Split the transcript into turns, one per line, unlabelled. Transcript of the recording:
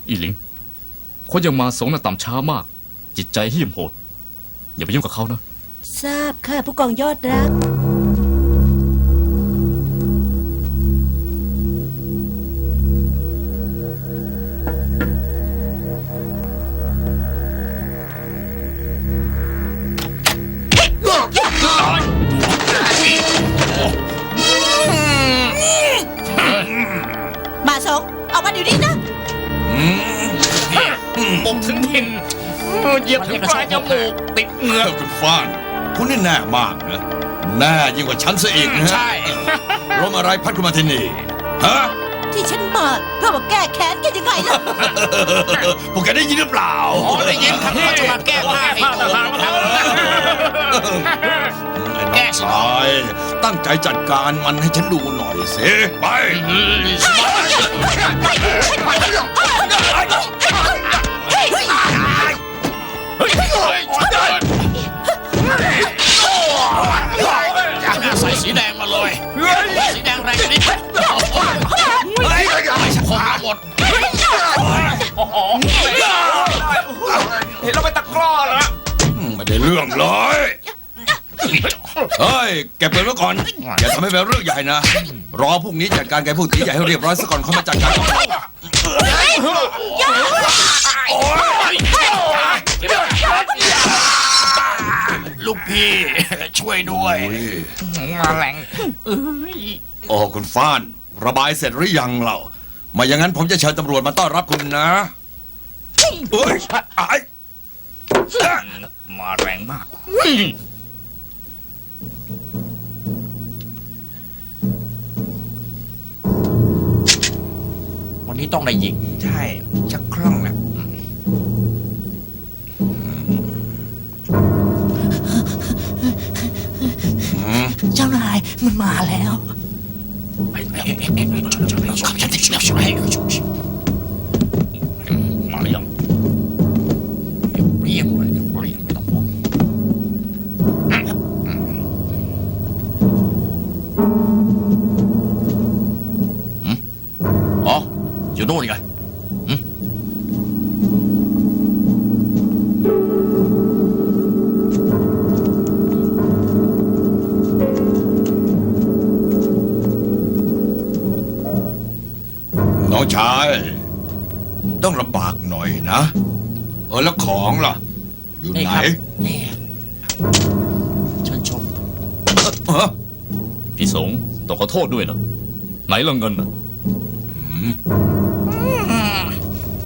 อีหลิงคนยังมาสงน่ะต่ำช้ามาก จิตใจเหี้ยมโหดอย่าไปยุ่งกับเขานะ
ทราบค่ะผู้กองยอดรักมาสงออกมาเดี๋ยวนี้นะ
ปกถึงถิ่นเหยียบถึงปลายจมูกติดเหงือก
คุณฟ้านคุณนี่แน่มากนะแน่ยิ่งกว่าฉันซะอีกนะ
ใช่
ลมอะไรพัดคุณมาที่นี่ฮะ
ที่ฉันมาเพื่อมาแก้แค้นแกยังไงล่ะ
พวกแกได้ยินหรือเปล่า
ได้ยินครับว่าจะมาแก้ผ้าให้ตัว
แก้สายตั้งใจจัดการมันให้ฉันดูหน่อยสิไป
ใส่สีแดงมาเลยสีแดงแรงนิดคมหมดเห็นเราไปตะกร้อแล้ว
ไม่ได้เรื่องเลยเฮ้ยแกเปิดไว้ก่อนอย่าทำให้เป็นเรื่องใหญ่นะรอพวกนี้จัดการแกพวกตีใหญ่ให้เรียบร้อยซะก่อนเขามาจัดการ
ลูกพี่ช่วยด้วยมาแรง
โอ้คุณฟ้านระบายเสร็จหรือยังเล่ามาอย่างนั้นผมจะเชิญตำรวจมาต้อนรับคุณนะเฮ้ย
มาแรงมากวันนี้ต้องได้ยิง
ใช่ชักคล่องนะ
เจ้านายมันมาแล้ว
มาหรือยังเรียบเลยเรียบไม่ต้องห่วงอ๋ออยู่โน่นไง
น้องชายต้องลำบากหน่อยนะแล้วของล่ะอยู่ไหน
นี่เชิญชมพี่สงต้องขอโทษด้วยนะไหนละเงินนะ